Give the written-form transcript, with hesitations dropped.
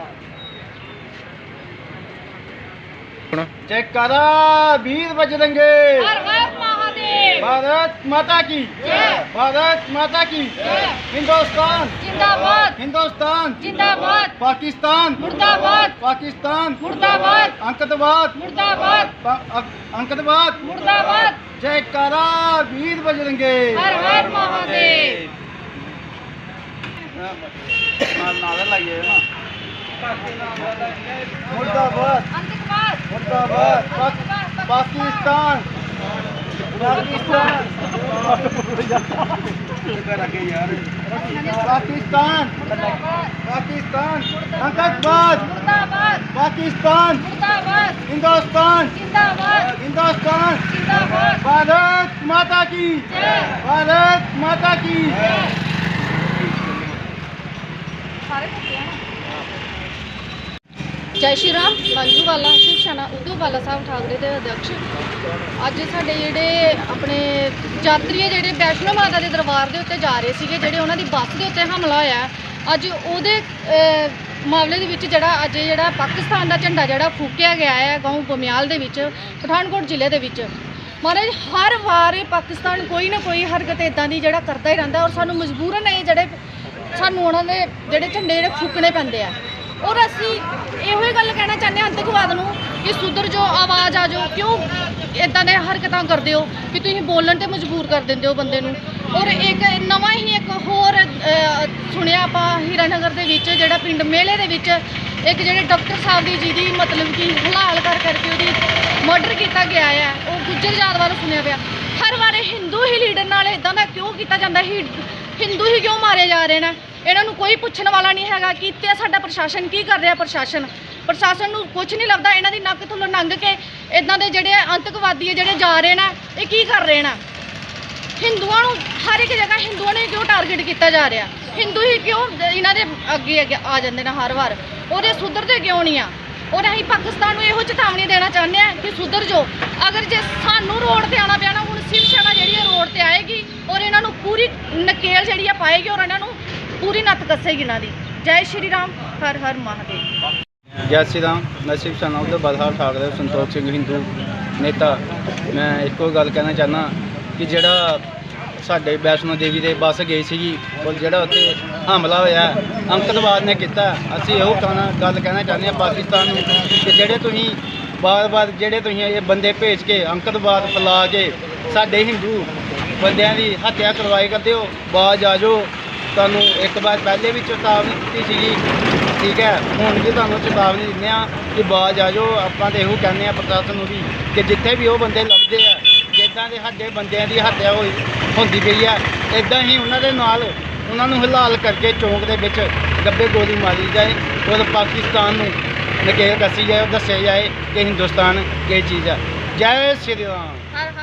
जयकारा वीर बजरंगे, हर हर महादेव, भारत माता की जय, भारत माता की जय, हिंदुस्तान जिंदाबाद, हिंदुस्तान जिंदाबाद, पाकिस्तान मुर्दाबाद, पाकिस्तान मुर्दाबाद, अंकतवाद मुर्दाबाद, अंकतवाद मुर्दाबाद, जयकारा वीर बजरंगे। हर हर महादेव। नारा लाइए ना, मुर्दाबाद अंतकवाद, मुर्दाबाद पाकिस्तान पाकिस्तान पाकिस्तान पाकिस्तान अंकतवाद मुर्दाबाद, पाकिस्तान मुर्दाबाद, हिंदुस्तान जिंदाबाद, हिंदुस्तान जिंदाबाद, भारत माता की जय, भारत माता की जय श्री राम। मंजूवाला शिव सेना उद्धववाला साहब ठाकरे ਦੇ ਅਧਿਕਸ਼ ਅੱਜ ਸਾਡੇ ਜਿਹੜੇ ਆਪਣੇ ਯਾਤਰੀ ਜਿਹੜੇ ਵੈਸ਼ਨੋ ਮਾਤਾ ਦੇ ਦਰਬਾਰ ਦੇ ਉੱਤੇ ਜਾ ਰਹੇ ਸੀਗੇ, ਜਿਹੜੇ ਉਹਨਾਂ ਦੀ ਬੱਸ ਦੇ ਉੱਤੇ ਹਮਲਾ ਹੋਇਆ, ਅੱਜ ਉਹਦੇ ਮਾਮਲੇ ਦੇ ਵਿੱਚ ਜਿਹੜਾ ਪਾਕਿਸਤਾਨ ਦਾ ਝੰਡਾ ਜਿਹੜਾ ਫੂਕਿਆ ਗਿਆ ਹੈ ਗਾਉਂ ਬਮਿਆਲ ਦੇ ਵਿੱਚ ਪਠਾਨਕੋਟ ਜ਼ਿਲ੍ਹੇ ਦੇ ਵਿੱਚ। ਮਹਾਰਾਜ ਹਰ ਵਾਰ ਇਹ ਪਾਕਿਸਤਾਨ ਕੋਈ ਨਾ ਕੋਈ ਹਰਕਤ ਇਦਾਂ ਦੀ ਜਿਹੜਾ ਕਰਦਾ ਹੀ ਰਹਿੰਦਾ, ਔਰ ਸਾਨੂੰ ਮਜਬੂਰਨ ਇਹ ਜਿਹੜੇ ਸਾਨੂੰ ਉਹਨਾਂ ਦੇ ਜਿਹੜੇ ਝੰਡੇ ਜਿਹੜੇ ਫੂਕਣੇ ਪੈਂਦੇ ਆ। ਔਰ ਅਸੀਂ ਇਹੋ ਹੀ ਗੱਲ ਕਹਿਣਾ ਚਾਹੁੰਦੇ ਹਾਂ ਆਤੰਕਵਾਦ ਨੂੰ ਕਿ ਸੁਧਰ ਜੋ, ਆਵਾਜ਼ ਆ ਜਾਓ। ਕਿਉਂ ਇਦਾਂ ਦੇ ਹਰਕਤਾਂ ਕਰਦੇ ਹੋ ਕਿ ਤੁਸੀਂ ਬੋਲਣ ਤੇ ਮਜਬੂਰ ਕਰ ਦਿੰਦੇ ਹੋ ਬੰਦੇ ਨੂੰ। ਔਰ ਇੱਕ ਹੋਰ ਸੁਣਿਆ ਆਪਾਂ ਹੀਰਾਨਗਰ ਦੇ ਵਿੱਚ ਜਿਹੜਾ ਪਿੰਡ ਮੇਲੇ ਦੇ ਵਿੱਚ ਇੱਕ ਜਿਹੜੇ ਡਾਕਟਰ ਸਾਹਿਬ ਦੀ ਜਿਹਦੀ ਮਤਲਬ ਕਿ ਹਲਾਲ ਕਰਕੇ ਉਹਦੀ ਮਰਡਰ ਕੀਤਾ ਗਿਆ ਹੈ, ਉਹ ਗੁੱਜਰ ਜਾਤ ਵੱਲੋਂ ਸੁਣਿਆ ਪਿਆ। ਹਰ ਵਾਰ ਹਿੰਦੂ ਹੀ ਲੀਡਰ ਨਾਲ ਇਦਾਂ ਦਾ ਕਿਉਂ ਕੀਤਾ ਜਾਂਦਾ? ਹਿੰਦੂ ਹੀ ਕਿਉਂ ਮਾਰੇ ਜਾ ਰਹੇ ਨੇ? ਇਹਨਾਂ ਨੂੰ ਕੋਈ ਪੁੱਛਣ ਵਾਲਾ ਨਹੀਂ ਹੈਗਾ ਕਿ ਤੇ ਸਾਡਾ ਪ੍ਰਸ਼ਾਸਨ ਕੀ ਕਰ ਰਿਹਾ। ਪ੍ਰਸ਼ਾਸਨ ਨੂੰ ਕੁਝ ਨਹੀਂ ਲੱਭਦਾ। ਇਹਨਾਂ ਦੀ ਨੱਕ ਥੱਲੋਂ ਲੰਘ ਕੇ ਇਦਾਂ ਦੇ ਜਿਹੜੇ ਆਤੰਕਵਾਦੀ ਜਿਹੜੇ ਜਾ ਰਹੇ ਨੇ, ਇਹ ਕੀ ਕਰ ਰਹੇ ਨੇ? ਹਿੰਦੂਆਂ ਨੂੰ ਹਰ ਇੱਕ ਜਗ੍ਹਾ ਹਿੰਦੂਆਂ ਨੂੰ ਕਿਉਂ ਟਾਰਗੇਟ ਕੀਤਾ ਜਾ ਰਿਹਾ? ਹਿੰਦੂ ਹੀ ਕਿਉਂ ਇਹਨਾਂ ਦੇ ਅੱਗੇ ਆ ਜਾਂਦੇ ਨੇ ਹਰ ਵਾਰ? ਉਹਦੇ ਸੁਧਰਦੇ ਕਿਉਂ ਨਹੀਂ ਆ? ਔਰ ਅਸੀਂ ਪਾਕਿਸਤਾਨ ਨੂੰ ਇਹੋ ਚੇਤਾਵਨੀ ਦੇਣਾ ਚਾਹੁੰਦੇ ਹਾਂ ਕਿ ਸੁਧਰ ਜੋ। ਅਗਰ ਜੇ ਸਾਨੂੰ ਰੋਡ ਤੇ ਆਉਣਾ ਪਿਆ ਨਾ, ਹੁਣ ਸ਼ਿਵ ਸੈਨਾ ਜਿਹੜੀ ਹੈ ਰੋਡ ਤੇ ਆਏਗੀ ਔਰ ਇਹਨਾਂ ਨੂੰ ਪੂਰੀ ਨਕੇਲ ਜਿਹੜੀ ਆ ਪਾਏਗੀ ਔਰ ਇਹਨਾਂ ਨੂੰ पूरी नत कसेगी ਇਹਨਾਂ ਦੀ। जय श्री राम, हर हर महादेव। जय श्री राम। मैं शिव सेना उद्धववाला साहब ठाकरे संतोख सिंह हिंदू नेता। मैं ਇੱਕੋ ਗੱਲ ਕਹਿਣਾ ਚਾਹੁੰਦਾ ਕਿ ਜਿਹੜਾ ਸਾਡੇ ਵੈਸ਼ਨੋ ਦੇਵੀ ਦੇ ਬੱਸ ਗਈ ਸੀਗੀ, ਔਰ ਜਿਹੜਾ ਉੱਥੇ ਹਮਲਾ ਹੋਇਆ ਅੰਕਤਵਾਦ ਨੇ ਕੀਤਾ। ਅਸੀਂ ਇਹੋ ਗੱਲ ਕਹਿਣਾ ਚਾਹੁੰਦੇ ਹਾਂ ਪਾਕਿਸਤਾਨ ਨੂੰ ਕਿ ਜਿਹੜੇ ਤੁਸੀਂ ਬਾਰ-ਬਾਰ ਇਹ ਬੰਦੇ ਭੇਜ ਕੇ ਅੰਕਤਵਾਦ ਫੈਲਾ ਕੇ ਸਾਡੇ ਹਿੰਦੂ ਬੰਦਿਆਂ ਦੀ ਹੱਤਿਆ ਕਰਵਾਈ ਕਰਦੇ ਹੋ, ਬਾਜ਼ ਆ ਜਾਓ। ਤੁਹਾਨੂੰ ਇੱਕ ਵਾਰ ਪਹਿਲੇ ਵੀ ਚੇਤਾਵਨੀ ਦਿੱਤੀ ਸੀਗੀ, ਠੀਕ ਹੈ, ਹੁਣ ਵੀ ਤੁਹਾਨੂੰ ਚੇਤਾਵਨੀ ਦਿੰਦੇ ਹਾਂ ਕਿ ਬਾਜ਼ ਆ ਜਾਓ। ਆਪਾਂ ਤਾਂ ਇਹੋ ਕਹਿੰਦੇ ਹਾਂ ਪ੍ਰਸ਼ਾਸਨ ਨੂੰ ਵੀ ਕਿ ਜਿੱਥੇ ਵੀ ਉਹ ਬੰਦੇ ਲੱਭਦੇ ਆ, ਜਿੱਦਾਂ ਦੇ ਸਾਡੇ ਬੰਦਿਆਂ ਦੀ ਹੱਤਿਆ ਹੁੰਦੀ ਪਈ ਆ, ਇੱਦਾਂ ਹੀ ਉਹਨਾਂ ਦੇ ਨਾਲ ਉਹਨਾਂ ਨੂੰ ਹਲਾਲ ਕਰਕੇ ਚੌਂਕ ਦੇ ਵਿੱਚ ਗੱਬੇ ਗੋਲੀ ਮਾਰੀ ਜਾਏ ਔਰ ਪਾਕਿਸਤਾਨ ਨੂੰ ਨਕੇਲ ਕੱਸੀ ਜਾਏ, ਦੱਸਿਆ ਜਾਏ ਕਿ ਹਿੰਦੁਸਤਾਨ ਕੀ ਚੀਜ਼ ਹੈ। ਜੈ ਸ਼੍ਰੀ ਰਾਮ।